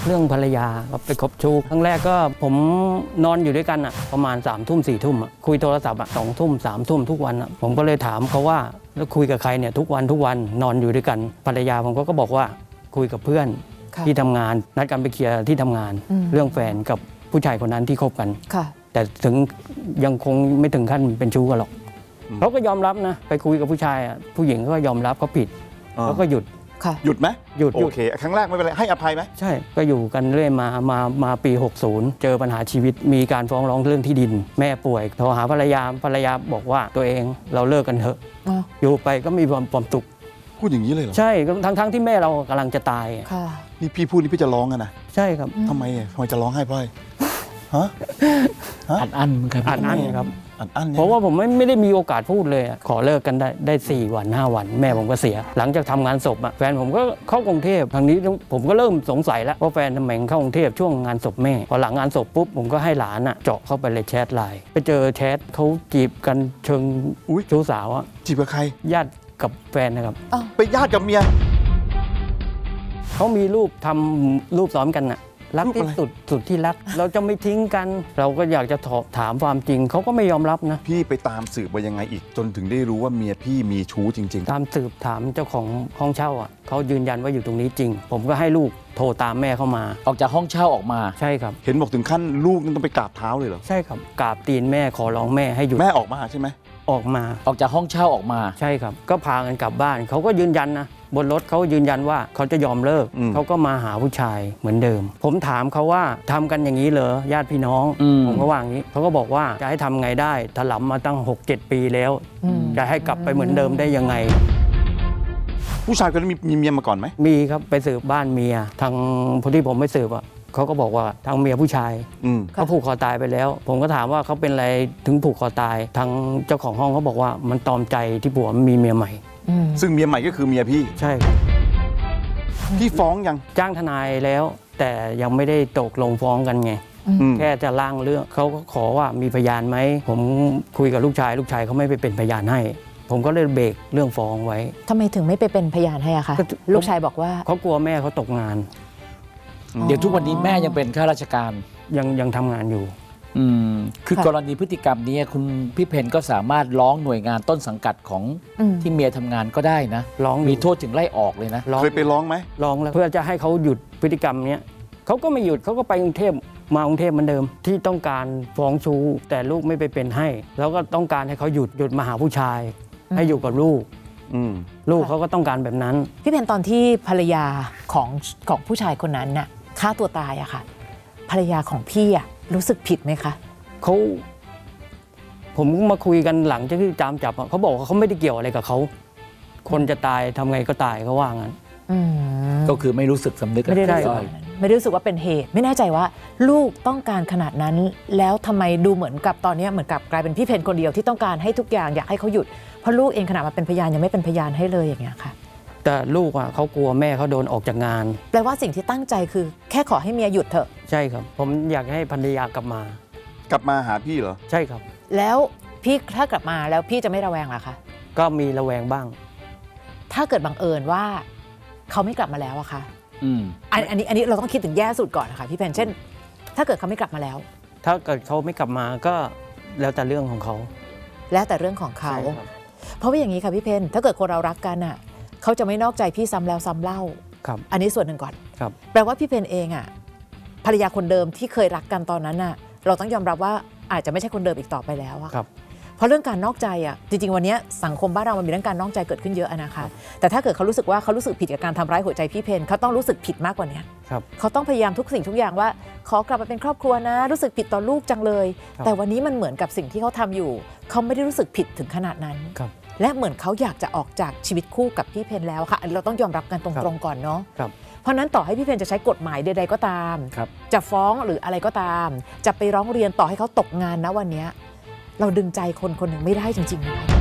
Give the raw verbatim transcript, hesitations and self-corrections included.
เรื่องภรรยาก็ไปคบชู้ครั้งแรกก็ผมนอนอยู่ด้วยกันอะประมาณสามทุ่มสี่ทุ่มคุยโทรศัพท์อะสองทุ่มสามทุ่มทุกวันอะผมก็เลยถามเขาว่าแล้วคุยกับใครเนี่ยทุกวันทุกวันนอนอยู่ด้วยกันภรรยาผมก็บอกว่าคุยกับเพื่อนที่ทำงานนัดกันไปเคลียร์ที่ทำงานเรื่องแฟนกับผู้ชายคนนั้นที่คบกันแต่ถึงยังคงไม่ถึงขั้นเป็นชู้กันหรอกเขาก็ยอมรับนะไปคุยกับผู้ชายอ่ะผู้หญิงก็ยอมรับเขาผิดเขาก็หยุดหยุดไหมหยุดโอเคครั้งแรกไม่เป็นไรให้อภัยไหมใช่ก็อยู่กันเรื่อยมามามาปีหกสิบเจอปัญหาชีวิตมีการฟ้องร้องเรื่องที่ดินแม่ป่วยโทรหาภรรยาภรรยาบอกว่าตัวเองเราเลิกกันเถอะอยู่ไปก็มีความความสุขพูดอย่างนี้เลยเหรอใช่ทั้งทั้งที่แม่เรากำลังจะตายนี่พี่พูดนี่พี่จะร้องกันนะใช่ครับทำไมทำไมจะร้องไห้เพราะอะไรฮะอัดอั้นครับอัดอั้นครับอัดอั้นเพราะว่าผมไม่ไม่ได้มีโอกาสพูดเลยขอเลิกกันได้ได้สี่วันห้าวันแม่ผมก็เสียหลังจากทำงานศพแฟนผมก็เข้ากรุงเทพทางนี้ผมก็เริ่มสงสัยแล้วว่าแฟนทำไมเข้ากรุงเทพช่วงงานศพแม่พอหลังงานศพปุ๊บผมก็ให้หลานเจาะเข้าไปเลยแชทไลน์ไปเจอแชทเขาจีบกันเชิงชู้สาวอะจีบกับใครญาติกับแฟนนะครับไปญาติกับเมียเขามีรูปทำรูปซ้อมกันน่ะรักที่สุดสุดที่รักเราจะไม่ทิ้งกันเราก็อยากจะถามความจริงเขาก็ไม่ยอมรับนะพี่ไปตามสืบว่ายังไงอีกจนถึงได้รู้ว่าเมียพี่มีชู้จริงๆตามสืบถามเจ้าของห้องเช่าอ่ะเขายืนยันว่าอยู่ตรงนี้จริงผมก็ให้ลูกโทรตามแม่เข้ามาออกจากห้องเช่าออกมาใช่ครับเห็นบอกถึงขั้นลูกนั่นต้องไปกราบเท้าเลยเหรอใช่ครับกราบตีนแม่ขอร้องแม่ให้หยุดแม่ออกมาใช่ไหมออกมาออกจากห้องเช่าออกมาใช่ครับก็พากันกลับบ้านเขาก็ยืนยันนะบนรถเขายืนยันว่าเขาจะยอมเลิกเขาก็มาหาผู้ชายเหมือนเดิมผมถามเขาว่าทำกันอย่างนี้เหรอญาติพี่น้องผมก็ว่าอย่างนี้เขาก็บอกว่าจะให้ทำไงได้ถลำมาตั้ง หกเจ็ด ปีแล้วจะให้กลับไปเหมือนเดิมได้ยังไงผู้ชายคนนั้นมีมีเมียมาก่อนไหมมีครับไปสืบบ้านเมียทางพอที่ผมไปสืบอ่ะเขาก็บอกว่าทางเมียผู้ชายเขาผูกคอตายไปแล้วผมก็ถามว่าเขาเป็นอะไรถึงผูกคอตายทางเจ้าของห้องเขาบอกว่ามันตอมใจที่ผัวมีเมียใหม่ซึ่งเมียใหม่ก็คือเมียพี่ใช่ครับพี่ฟ้องยังจ้างทนายแล้วแต่ยังไม่ได้ตกลงฟ้องกันไงแค่จะล่างเรื่องเขาก็ขอว่ามีพยานไหมผมคุยกับลูกชายลูกชายเขาไม่ไปเป็นพยานให้ผมก็เลยเบรกเรื่องฟ้องไว้ทำไมถึงไม่ไปเป็นพยานให้อะคะลูกชายบอกว่าเขากลัวแม่เขาตกงานเดี๋ยวทุกวันนี้แม่ยังเป็นข้าราชการยังยังทำงานอยู่อืมคือกรณีพฤติกรรมนี้คุณพี่เพนก็สามารถร้องหน่วยงานต้นสังกัดของที่เมียทำงานก็ได้นะร้องมีโทษถึงไล่ออกเลยนะเคยไปร้องไหมร้องแล้วเพื่อจะให้เขาหยุดพฤติกรรมนี้เขาก็ไม่หยุดเขาก็ไปกรุงเทพมากรุงเทพเหมือนเดิมที่ต้องการฟ้องชู้แต่ลูกไม่ไปเป็นให้แล้วก็ต้องการให้เขาหยุดหยุดมาหาผู้ชายให้อยู่กับลูกลูกเขาก็ต้องการแบบนั้นพี่เพนตอนที่ภรรยาของของผู้ชายคนนั้นน่ะฆ่าตัวตายอะค่ะภรรยาของพี่อะรู้สึกผิดไหมคะเขาผมมาคุยกันหลังจากที่จามจับเขาบอกว่าเขาไม่ได้เกี่ยวอะไรกับเขาคนจะตายทำไงก็ตายเขาว่างั้นก็คือไม่รู้สึกสำนึกไม่ได้ไม่ได้รู้สึกว่าเป็นเหตุไม่แน่ใจว่าลูกต้องการขนาดนั้นแล้วทำไมดูเหมือนกับตอนนี้เหมือนกับกลายเป็นพี่เพนคนเดียวที่ต้องการให้ทุกอย่างอยากให้เขาหยุดเพราะลูกเองขนาดมาเป็นพยานยังไม่เป็นพยานให้เลยอย่างเงี้ยค่ะแต่ลูกอ่ะเขากลัวแม่เขาโดนออกจากงานแปลว่าสิ่งที่ตั้งใจคือแค่ขอให้เมียหยุดเถอะใช่ครับผมอยากให้ภรรยากลับมากลับมาหาพี่เหรอใช่ครับแล้วพี่ถ้ากลับมาแล้วพี่จะไม่ระแวงหรอคะก็มีระแวงบ้างถ้าเกิดบังเอิญว่าเขาไม่กลับมาแล้วอะคะอืมอันนี้อันนี้เราต้องคิดถึงแย่สุดก่อนนะคะพี่เพนเช่นถ้าเกิดเขาไม่กลับมาแล้วถ้าเกิดเขาไม่กลับมาก็แล้วแต่เรื่องของเขาแล้วแต่เรื่องของเขาเพราะว่าอย่างนี้ค่ะพี่เพนถ้าเกิดคนเรารักกันอะเขาจะไม่นอกใจพี่ซ้ำแล้วซ้ำเล่าครับอันนี้ส่วนหนึ่งก่อนครับแปลว่าพี่เพนเองอะภรรยาคนเดิมที่เคยรักกันตอนนั้นอะเราต้องยอมรับว่าอาจจะไม่ใช่คนเดิมอีกต่อไปแล้วอะเพราะเรื่องการนอกใจอะจริงๆวันนี้สังคมบ้านเรามันมีเรื่องการนอกใจเกิดขึ้นเยอะนะคะแต่ถ้าเกิดเขารู้สึกว่าเขารู้สึกผิดกับการทำร้ายหัวใจพี่เพนเขาต้องรู้สึกผิดมากกว่านี้เขาต้องพยายามทุกสิ่งทุกอย่างว่าขอกลับมาเป็นครอบครัวนะรู้สึกผิดต่อลูกจังเลยแต่วันนี้มันเหมือนกับสิ่งที่เขาทำอยู่เขาไม่ได้รู้สึกผิดถึงขนาดนั้นและเหมือนเขาอยากจะออกจากชีวิตคู่กับพี่เพนแล้วค่ะเราต้องยอมรับกันตรงๆก่อนเนาะเพราะนั้นต่อให้พี่เพนจะใช้กฎหมายใดๆก็ตามจะฟ้องหรืออะไรก็ตามจะไปร้องเรียนต่อให้เขาตกงานนะวันนี้เราดึงใจคนคนหนึ่งไม่ได้จริงๆนะคะ